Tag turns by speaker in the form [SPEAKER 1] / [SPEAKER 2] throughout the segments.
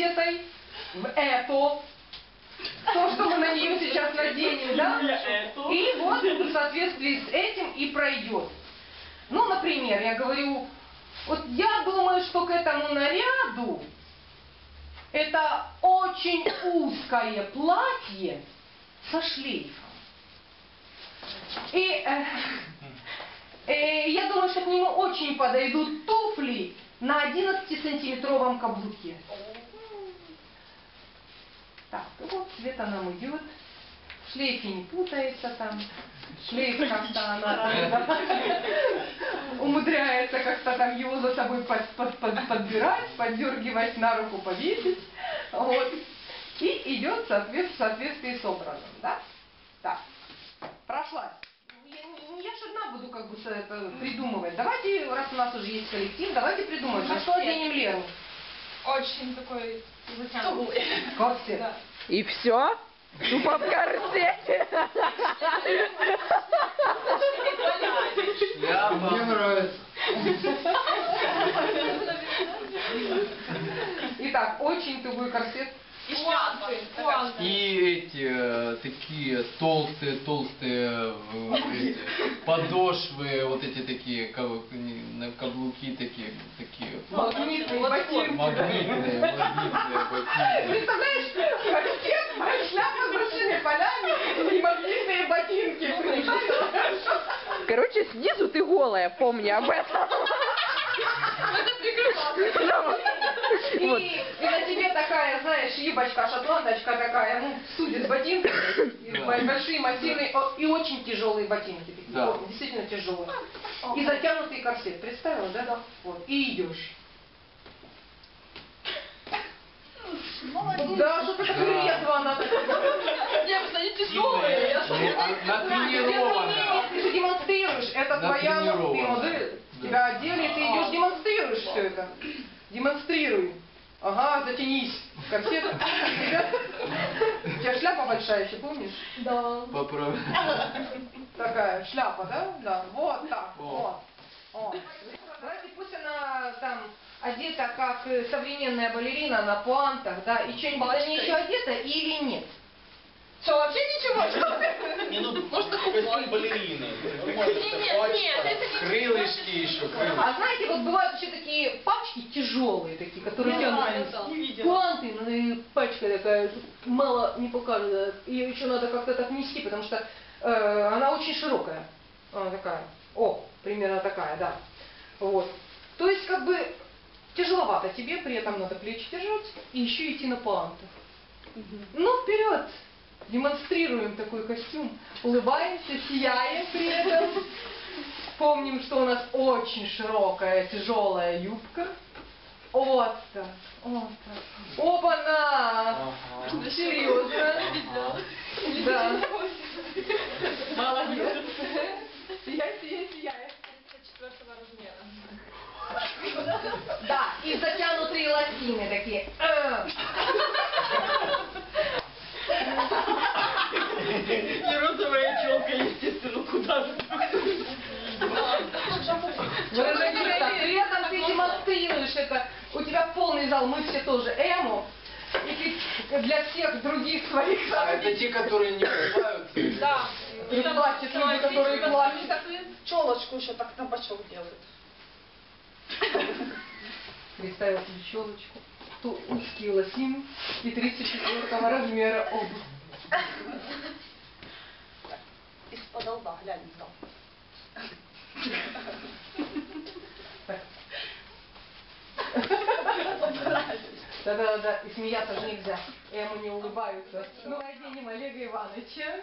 [SPEAKER 1] одетой в эту, то, что мы на нее сейчас наденем, да? И вот в соответствии с этим и пройдет. Ну, например, я говорю, вот я думаю, что к этому наряду это очень узкое платье со шлейфом. И я думаю, что к нему очень подойдут туфли на 11-сантиметровом каблуке. Так, вот Света нам идет. В шлейфе не путается там. Шлейф как-то она умудряется как-то там его за собой подбирать, поддергивать, на руку повесить. Вот. И идет в соответствии с образом. Да? Так. Прошлась. Я же одна буду как бы это придумывать. Давайте, раз у нас уже есть коллектив, давайте придумаем. На что оденем Лену?
[SPEAKER 2] Очень такой затянутый.
[SPEAKER 1] Корсет.
[SPEAKER 2] Да.
[SPEAKER 3] И все? Тупо в корсете.
[SPEAKER 4] Мне нравится.
[SPEAKER 1] Итак, очень тугой корсет.
[SPEAKER 2] И шляпы.
[SPEAKER 4] И эти такие толстые подошвы, вот эти такие каблуки такие.
[SPEAKER 1] Магнитные ботинки.
[SPEAKER 4] Магнитные ботинки.
[SPEAKER 1] Представляешь, корсет, шляпа с большими полями и магнитные ботинки.
[SPEAKER 3] Короче, снизу ты голая, помни об этом.
[SPEAKER 2] Это прикрывало.
[SPEAKER 1] И на тебе такая, знаешь, юбочка, шотландочка такая, ну, судит ботинками, большие, массивные и очень тяжелые ботинки. Такие,
[SPEAKER 4] Да.
[SPEAKER 1] действительно тяжелые. И затянутый корсет. Представила, да? Да. Вот. И идешь.
[SPEAKER 2] Молодец.
[SPEAKER 1] Да, что-то так резво она так.
[SPEAKER 2] Девушка, они тяжелые.
[SPEAKER 4] Натренирована.
[SPEAKER 1] Ты же демонстрируешь, это твоя модель. Тебя одели, ты идешь, демонстрируешь все это. Демонстрируй. Ага, затянись. Корсет. У тебя шляпа большая еще, помнишь?
[SPEAKER 2] Да.
[SPEAKER 4] Поправь.
[SPEAKER 1] Такая шляпа, да? Да. Вот так.
[SPEAKER 4] О.
[SPEAKER 1] Вот. Давайте пусть она там одета как современная балерина на пуантах, да, и что-нибудь на ней еще одета или нет? Что, вообще ничего? Что ты?
[SPEAKER 5] Не, ну, можно костюм балерины.
[SPEAKER 2] Нет, это не...
[SPEAKER 4] Крылышки еще, крылышки.
[SPEAKER 1] А знаете, вот бывают еще такие пачки тяжелые такие, которые тянутся.
[SPEAKER 2] Не видела.
[SPEAKER 1] Пуанты, ну и пачка такая, мало не покажет. Ее еще надо как-то так нести, потому что она очень широкая. Она такая. О, примерно такая, да. Вот. То есть, как бы, тяжеловато тебе, при этом надо плечи держать и еще идти на пуантах. Ну, вперед! Демонстрируем такой костюм, улыбаемся, сияем при этом. Помним, что у нас очень широкая, тяжелая юбка. Вот так, вот так. Оба-на! Серьезно? Да. Молодец. Сияй, сияй, сияй.
[SPEAKER 2] 34 размера.
[SPEAKER 1] Да, и затянутые лосины такие.
[SPEAKER 2] И розовая челка, естественно, куда же.
[SPEAKER 1] При этом ты демонстрируешь это. У тебя полный зал, мы все тоже эмо. И ты для всех других своих...
[SPEAKER 4] А это те, которые не улыбаются?
[SPEAKER 2] Да.
[SPEAKER 1] И плачут люди, которые плачут.
[SPEAKER 2] Челочку еще так на бочок делают.
[SPEAKER 1] Представил себе щелочку, узкие лосины и 34 размера обувь.
[SPEAKER 2] Из-под лба, глянь там.
[SPEAKER 1] Да-да-да, и смеяться же нельзя. Ему не улыбаются. Ну, оденем Олега Ивановича.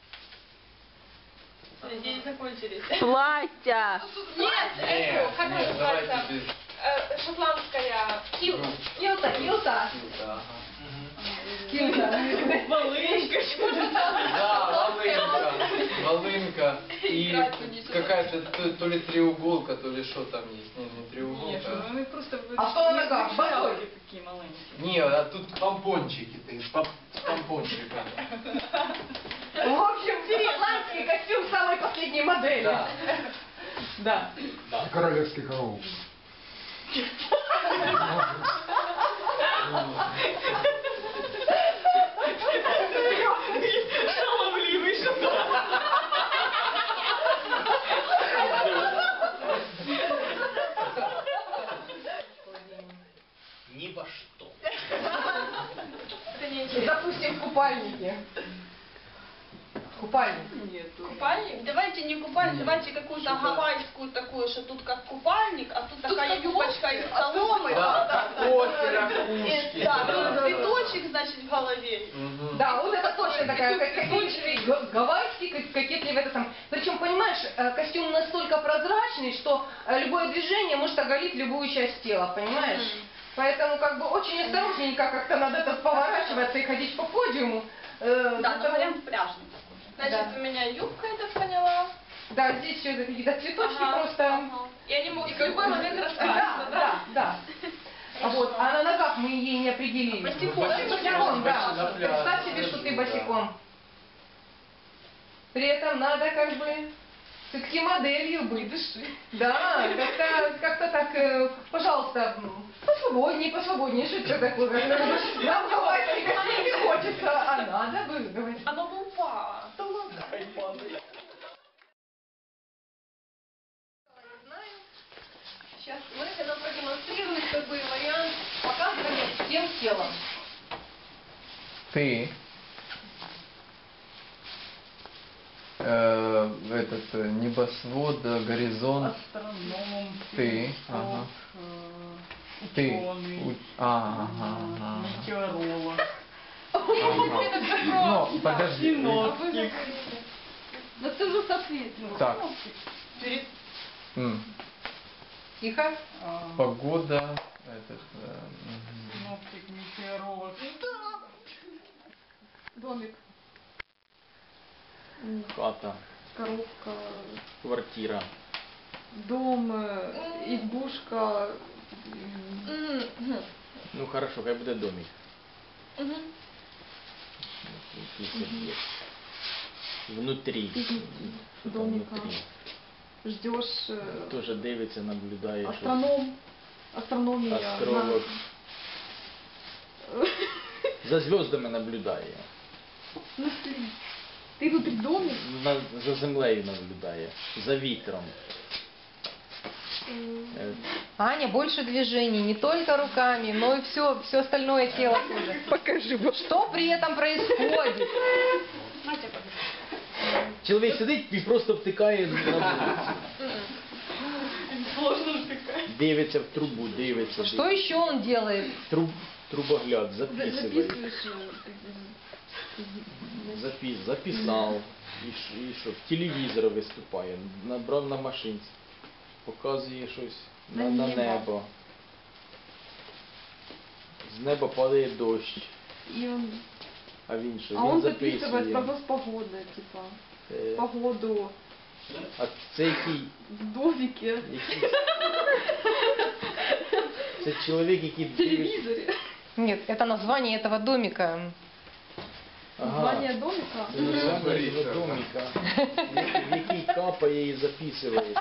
[SPEAKER 2] Деньги закончились.
[SPEAKER 3] Платья.
[SPEAKER 2] Нет, это, как
[SPEAKER 4] Нет,
[SPEAKER 2] называется,
[SPEAKER 4] давайте без...
[SPEAKER 2] шотландская килта.
[SPEAKER 1] Килта.
[SPEAKER 4] Килта, ага.
[SPEAKER 2] Малышка.
[SPEAKER 4] Да, волынка. И какая-то то ли треуголка, то ли что там есть. Не треуголка.
[SPEAKER 2] Мы просто...
[SPEAKER 1] А что на ногах? Босой?
[SPEAKER 2] Такие маленькие.
[SPEAKER 4] Не, а тут помпончики, с помпончиками.
[SPEAKER 1] В общем, шотландский костюм самой последней модели.
[SPEAKER 4] Да.
[SPEAKER 1] Да.
[SPEAKER 4] Да.
[SPEAKER 5] Королевский коров.
[SPEAKER 2] Шаловливый что-то.
[SPEAKER 5] Ни во что.
[SPEAKER 1] Допустим, в купальнике. Купальник.
[SPEAKER 2] Купальник? Давайте не купальник, давайте какую-то гавайскую такую, что тут как купальник, а тут такая юбочка из соломы.
[SPEAKER 4] Да, кофе, ракушки.
[SPEAKER 2] Да, тут цветочек, значит, в голове.
[SPEAKER 1] Да, вот это точно такая гавайский, кокетливый это там. Причем, понимаешь, костюм настолько прозрачный, что любое движение может оголить любую часть тела, понимаешь? Поэтому как бы очень осторожненько как-то надо это поворачиваться и ходить по подиуму.
[SPEAKER 2] Да, но вариант пляжный. Значит,
[SPEAKER 1] Да.
[SPEAKER 2] у меня юбка, я так поняла.
[SPEAKER 1] Да, здесь все это какие-то цветочки просто.
[SPEAKER 2] И они могут в любой момент
[SPEAKER 1] Да,
[SPEAKER 2] раскраситься, да?
[SPEAKER 1] да. А вот, а на ногах мы ей не определили.
[SPEAKER 2] Босиком.
[SPEAKER 1] Босиком, да.
[SPEAKER 4] На пляже.
[SPEAKER 1] Представь себе, что ты босиком. При этом надо как бы все-таки моделью быть. Да, как-то так, пожалуйста, посвободнее, что это такое? Нам гавайский костюм не хочется, а надо бы говорить.
[SPEAKER 2] Оно бы упало.
[SPEAKER 1] Сейчас мы хотим продемонстрировать как бы вариант показывания всем телом.
[SPEAKER 4] Ты этот небосвод, горизонт.
[SPEAKER 6] Астроном,
[SPEAKER 4] Ты, ага. Ты.
[SPEAKER 6] ученый,
[SPEAKER 4] Ага.
[SPEAKER 6] метеоролог,
[SPEAKER 4] Ну, подожди.
[SPEAKER 6] синоптик.
[SPEAKER 1] Да ты же соответственно.
[SPEAKER 4] Так.
[SPEAKER 2] Перед...
[SPEAKER 1] Тихо.
[SPEAKER 4] Погода.
[SPEAKER 6] Синоптик, метеоролог.
[SPEAKER 1] Домик.
[SPEAKER 7] Хата,
[SPEAKER 6] Коробка,
[SPEAKER 7] квартира.
[SPEAKER 6] дом, избушка.
[SPEAKER 7] Ну хорошо, хай буде домик. Внутрі. Що там
[SPEAKER 6] Домика.
[SPEAKER 7] внутрі?
[SPEAKER 6] Ждешь
[SPEAKER 7] Тоже дивиться, наблюдає. щось.
[SPEAKER 6] астроном, астрономия.
[SPEAKER 7] Астролог. За зв'язками наблюдає.
[SPEAKER 6] Ну, ты внутри домик.
[SPEAKER 7] За землею наблюдає. За вітром.
[SPEAKER 1] Аня, больше движений, не только руками, но и все остальное тело тоже.
[SPEAKER 3] Покажи.
[SPEAKER 1] Что при этом происходит?
[SPEAKER 7] Чоловік сидить і просто втикає на
[SPEAKER 2] Сложно втыкать.
[SPEAKER 7] дивиться в трубу, дивиться.
[SPEAKER 1] Что еще он делает?
[SPEAKER 7] Трубогляд записує.
[SPEAKER 6] Записываешь.
[SPEAKER 7] Записав. І що? В телевізор виступає. Набрав на машинці. Показує щось на небо. З неба падає дощ.
[SPEAKER 6] И он,
[SPEAKER 7] А він що?
[SPEAKER 6] а
[SPEAKER 7] Він
[SPEAKER 6] он
[SPEAKER 7] записує.
[SPEAKER 6] записывает прогноз погоды, типа, погоду
[SPEAKER 7] А це який?
[SPEAKER 6] в домике,
[SPEAKER 7] Це чоловік, який
[SPEAKER 6] в
[SPEAKER 7] дивиться.
[SPEAKER 6] телевизоре.
[SPEAKER 1] Нет, это название этого домика.
[SPEAKER 6] Название домика.
[SPEAKER 7] Це названня цього домика, в який капає і записує.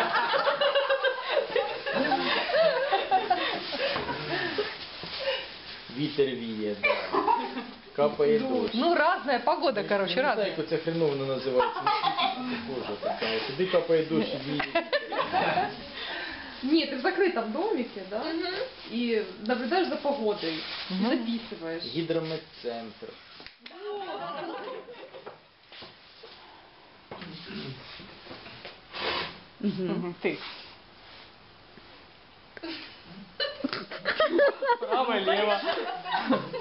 [SPEAKER 7] Вітер віє, да. Капає дощ.
[SPEAKER 1] Ну, разная погода, короче,
[SPEAKER 7] Я не знаю,
[SPEAKER 1] разная.
[SPEAKER 7] як оце хреновно називається. Боже, така. Туди капає дощ і віє.
[SPEAKER 6] Нет, ты в закрытом домике, да? И наблюдаешь за погодой, и записываешь.
[SPEAKER 7] Гідрометцентр.
[SPEAKER 1] Ты.
[SPEAKER 6] Право, лево.